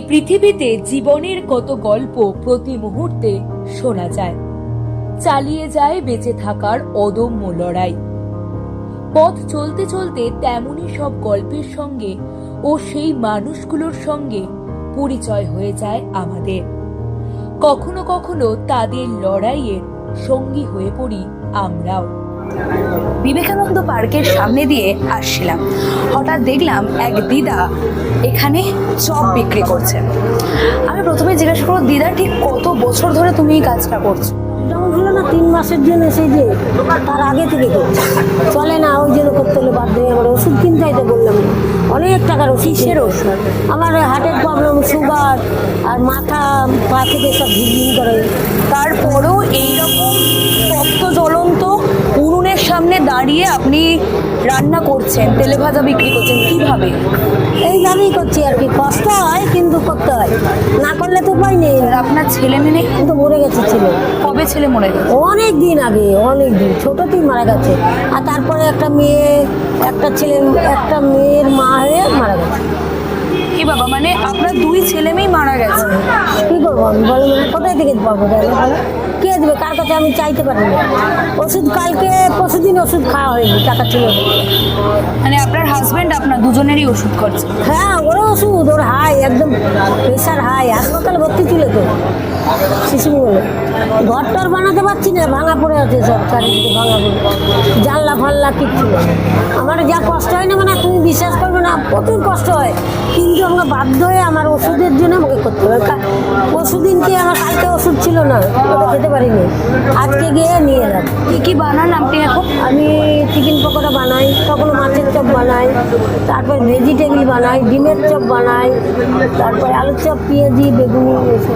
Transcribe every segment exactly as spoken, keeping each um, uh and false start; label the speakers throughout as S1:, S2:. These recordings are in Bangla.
S1: পৃথিবীতে জীবনের কত গল্প প্রতি মুহূর্তে শোনা যায়, চালিয়ে যায় বেঁচে থাকার অদম্য লড়াই। পথ চলতে চলতে তেমনই সব গল্পের সঙ্গে ও সেই মানুষগুলোর সঙ্গে পরিচয় হয়ে যায় আমাদের। কখনো কখনো তাদের লড়াইয়ের সঙ্গী হয়ে পড়ি আমরাও।
S2: বিবেকানন্দ পার্কের সামনে দিয়ে আসছিলাম, হঠাৎ দেখলাম এক দিদা এখানে চপ বিক্রি করছে। আমি প্রথমে জিজ্ঞাসা করবো, দিদা ঠিক কত বছর ধরে তুমি এই কাজটা করছো?
S3: যেমন হলো না, তিন মাসের জন্য সেই যে তার আগে থেকে করছি, চলে না ওই জন্য করতে হলে বাধ্য হয়ে আমার ওষুধ কিনতে হয়। তো বললাম অনেক টাকার ওষুধ।
S2: কিসের ওষুধ?
S3: আমার হার্টের প্রবলেম, সুগার আর মাথা পা থেকে সব ঝিঝিন করে।
S2: তারপরেও এইরকম তপ্ত জ্বলন্ত উনুনের সামনে দাঁড়িয়ে আপনি রান্না করছেন, তেলে ভাজা বিক্রি করছেন, কিভাবে?
S3: এইভাবেই করছি আর কি, কষ্ট হয় কিন্তু করতে হয়, না করলে তো উপায় নেই।
S2: আর আপনার ছেলে মেয়ে?
S3: কিন্তু মরে গেছে ছেলে।
S2: কবে ছেলে মরে গেছে?
S3: অনেক দিন আগে, অনেক দিন ছোটতেই মারা গেছে। আর তারপরে একটা মেয়ে, একটা ছেলে, একটা মেয়ের মা হয়ে মারা গেছে।
S2: কি বাবা, মানে আপনার দুই ছেলে মেয়ে মারা গেছে?
S3: কি করবো আমি, বলো না, কোথায় থেকে পাবো? কে দেবে? কার কাছে আমি চাইতে পারি না। ওষুধ কালকে পরশুদিন ওষুধ খাওয়া হয়নি, টাকা ছিল।
S2: মানে আপনার হাজবেন্ড আপনার দুজনেরই ওষুধ করছে?
S3: হ্যাঁ, ওরও ওষুধ, ওর হাই, একদম প্রেশার হাই, হাসপাতালে ভর্তি ছিল তো শিশু বলে। ঘর টর বানাতে পারছি না, ভাঙা পড়ে আছে সব, চারিদিকে ভাঙা পড়ে, জানলা ফাল্লা কিচ্ছু। আমার যা কষ্ট হয় না, মানে তুমি বিশ্বাস করবে না, প্রচুর কষ্ট হয়। কিন্তু আমাকে বাধ্য হয়ে আমার ওষুধের জন্য আমাকে করতে হবে। পরশুদিনকে আমার কালকে ওষুধ ছিল না, ওটা খেতে পারিনি, আজকে গিয়ে নিয়ে এলাম।
S2: কি কি বানান আপনি এখন?
S3: আমি চিকেন পকোড়া বানাই, কখনো মাছের চপ বানাই, তারপর ভেজিটেবিল বানাই, ডিমের চপ বানাই, তারপরে আলুর চপ, পেঁয়াজি, বেগুনি, এসব।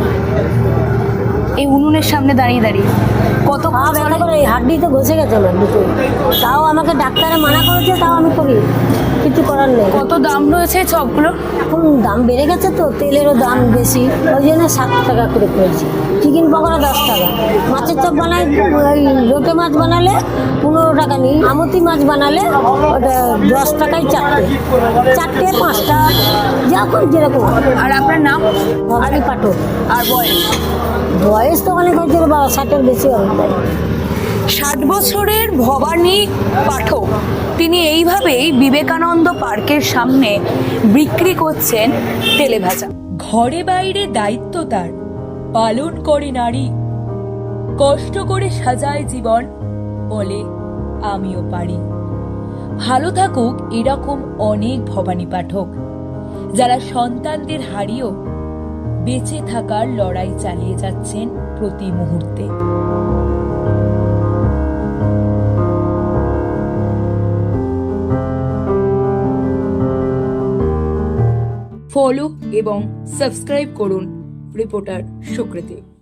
S2: এই উনুনের সামনে দাঁড়িয়ে দাঁড়িয়ে কত
S3: পা ব্যথা করে, এই হাড্ডি তো ঘষে গেছে আমার দুটো। তাও আমাকে ডাক্তারে মানা করেছে, তাও আমি করি, কিছু করার নেই।
S2: কত দাম রয়েছে চপগুলো?
S3: এখন দাম বেড়ে গেছে তো, তেলেরও দাম বেশি, ওই জন্য সাত টাকা করে করেছি। চিকেন পকোড়া দশ টাকা, মাছের চপ বানাই, ওই লোটে মাছ বানালে পনেরো টাকা নিই, আমতি মাছ বানালে ওটা দশ টাকায় চারটে, চারটে পাঁচটা, যখন যেরকম।
S2: আর আপনার নাম?
S3: ভবানী পাঠক।
S2: আর বয়স?
S3: বয়স তো অনেক হয়েছিল, বাবা ষাটের বেশি হবে তাই।
S2: ষাট বছরের ভবানী পাঠক, তিনি এইভাবেই বিবেকানন্দ পার্কের সামনে বিক্রি করছেন তেলে ভাজা।
S1: ঘরে বাইরে দায়িত্ব তার, পালন করে নারী, কষ্ট করে সাজায় জীবন, বলে আমিও পারি। ভালো থাকুক এরকম অনেক ভবানী পাঠক, যারা সন্তানদের হারিয়েও বেঁচে থাকার লড়াই চালিয়ে যাচ্ছেন প্রতি মুহূর্তে। ফলো এবং সাবস্ক্রাইব করুন রিপোর্টার সুকৃতি।